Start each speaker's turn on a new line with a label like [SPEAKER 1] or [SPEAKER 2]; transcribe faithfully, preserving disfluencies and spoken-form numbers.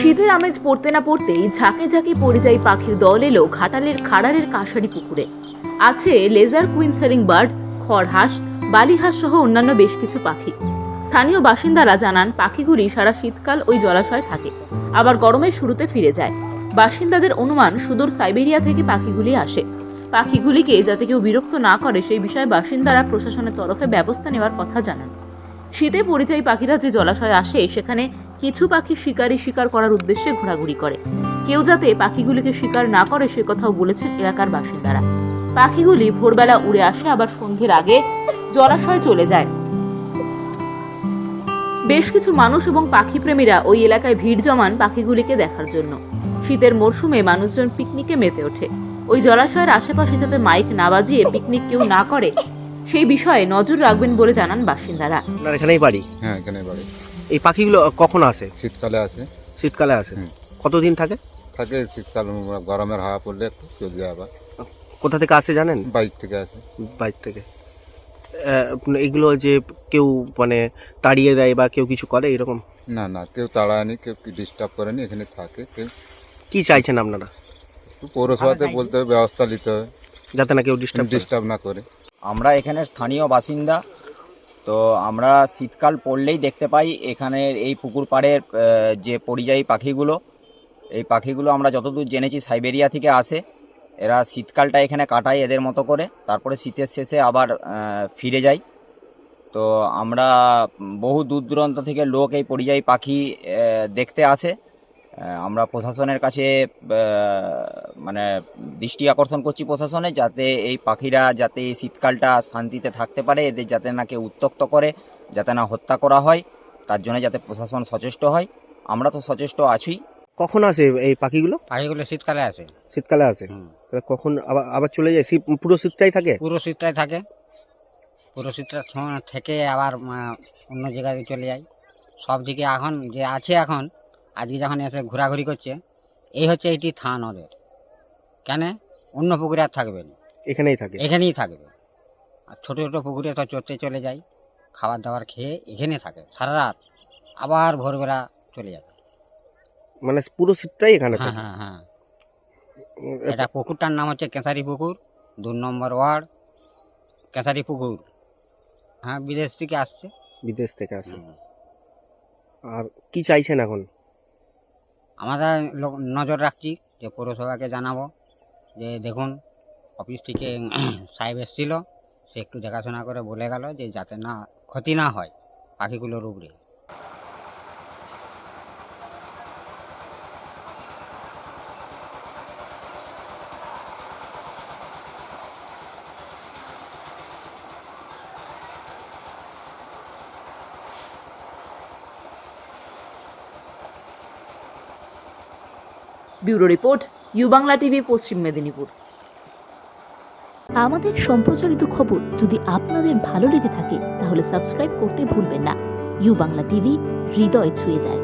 [SPEAKER 1] শীতের আমেজ পড়তে না পড়তেই ঝাঁকে ঝাঁকে পরিযায়ী পাখির দল এলো ঘাটালের খাড়ারের কাঁসারি পুকুরে। আছে লেজার কুইন সেলিং বার্ড, খড়হাঁস, বালিহাঁস সহ অন্যান্য বেশ কিছু পাখি। স্থানীয় বাসিন্দারা জানান পাখিগুলি সারা শীতকাল ওই জলাশয়ে থাকে, আবার গরমের শুরুতে ফিরে যায়। বাসিন্দাদের অনুমান সুদূর সাইবেরিয়া থেকে পাখিগুলি আসে। পাখিগুলিকে যাতে কেউ বিরক্ত না করে সেই বিষয়ে বাসিন্দারা প্রশাসনের তরফে ব্যবস্থা নেওয়ার কথা জানান। শীতে পরিযায়ী পাখিরা যে জলাশয়ে আসে সেখানে কিছু পাখি শিকারি শিকার করার উদ্দেশ্যে ঘোরাঘুরি করে। কেউ যাতে পাখিগুলিকে শিকার না করে সে কথাও বলেছেন এলাকার বাসিন্দারা। পাখিগুলি ভোরবেলা উড়ে আসে, আবার সন্ধ্যের আগে জলাশয়ে চলে যায়। বেশ কিছু মানুষ এবং পাখি প্রেমীরা ওই এলাকায় ভিড় জমান পাখিগুলিকে দেখার জন্য। শীতের মরশুমে মানুষজন পিকনিকে মেতে ওঠে। ওই জলাশয়ের আশেপাশে যাতে মাইক না বাজিয়ে পিকনিক কেউ না করে সেই বিষয়ে নজর রাখবেন বলে জানান বাসিন্দারা।
[SPEAKER 2] আপনার এখানেই বাড়ি?
[SPEAKER 3] হ্যাঁ, এখানে বাড়ি।
[SPEAKER 2] এই পাখিগুলো কখন আসে?
[SPEAKER 3] শীতকালে আসে।
[SPEAKER 2] শীতকালে আসে? কতদিন থাকে?
[SPEAKER 3] থাকে শীতকাল, গরমের হাওয়া পড়লে একটু চলে যায়। আবার
[SPEAKER 2] কোথা থেকে আসে জানেন?
[SPEAKER 3] বাইক থেকে আসে।
[SPEAKER 2] বাইক থেকে। এগুলো যে কেউ মানে তাড়িয়ে দেয় বা কেউ কিছু করে এরকম?
[SPEAKER 3] না না, কেউ তাড়ায়নি, কেউ ডিস্টার্ব করেনি, এখানে থাকে। কেউ
[SPEAKER 2] কি চাইছেন আপনারা?
[SPEAKER 3] পৌরসভাতে বলতে হবে, ব্যবস্থা নিতে হবে
[SPEAKER 2] যাতে না কেউ ডিস্টার্ব
[SPEAKER 3] ডিস্টার্ব না করে।
[SPEAKER 4] আমরা এখানের স্থানীয় বাসিন্দা, তো আমরা শীতকাল পড়লেই দেখতে পাই এখানের এই পুকুর পাড়ের যে পরিযায়ী পাখিগুলো, এই পাখিগুলো আমরা যতদূর জেনেছি সাইবেরিয়া থেকে আসে। এরা শীতকালটা এখানে কাটায় এদের মতো করে, তারপরে শীতের শেষে আবার ফিরে যায়। তো আমরা বহু দূর দূরান্ত থেকে লোক এই পরিযায়ী পাখি দেখতে আসে। আমরা প্রশাসনের কাছে মানে দৃষ্টি আকর্ষণ করছি প্রশাসনে, যাতে এই পাখিরা যাতে এই শীতকালটা শান্তিতে থাকতে পারে, এদের যাতে না কেউ উত্ত্যক্ত করে, যাতে না হত্যা করা হয়, তার জন্য যাতে প্রশাসন সচেষ্ট হয়। আমরা তো সচেষ্ট আছি।
[SPEAKER 2] কখন আসে এই পাখিগুলো?
[SPEAKER 5] পাখিগুলো শীতকালে আসে।
[SPEAKER 2] শীতকালে আসে? তাহলে কখন আবার আবার চলে যায়? শীত পুরো শীতটাই থাকে?
[SPEAKER 5] পুরো শীতটাই থাকে। পুরো শীতটা থেকে আবার অন্য জায়গায় চলে যায়। সব দিকে এখন যে আছে, এখন আজকে যখন এসে ঘোরাঘুরি করছে, এই হচ্ছে এইটি থান ওদের। কেন অন্য পুকুরে আর থাকবে না,
[SPEAKER 2] এখানেই থাকে?
[SPEAKER 5] এখানেই থাকবে। আর ছোটো ছোটো পুকুরে তো চড়তে চলে যায়, খাবার দাবার খেয়ে এখানে থাকে সারা রাত, আবার ভোরবেলা চলে যাবে।
[SPEAKER 2] মানে পুরো শীতটাই এখানে
[SPEAKER 5] হ্যাঁ
[SPEAKER 2] থাকে?
[SPEAKER 5] হ্যাঁ হ্যাঁ। এটা পুকুরটার নাম হচ্ছে কেঁসারি পুকুর, দু নম্বর ওয়ার্ড, কেঁসারি পুকুর। হ্যাঁ, বিদেশ থেকে আসছে।
[SPEAKER 2] বিদেশ থেকে আসে। আর কি চাইছেন এখন?
[SPEAKER 5] আমরা নজর রাখছি, যে পৌরসভাকে জানাবো যে দেখুন অফিস থেকে সাহেব এসেছিল, সে একটু দেখাশোনা করে বলে গেল যে যাতে না ক্ষতি না হয় পাখিগুলোর উপরে।
[SPEAKER 1] Bureau report, U Bangla TV, Paschim Medinipur.
[SPEAKER 6] আমাদের সম্প্রচারিত খবর যদি আপনাদের ভালো লেগে থাকে তাহলে সাবস্ক্রাইব করতে ভুলবেন না। ইউ বাংলা টিভি, হৃদয় ছুঁয়ে যায়।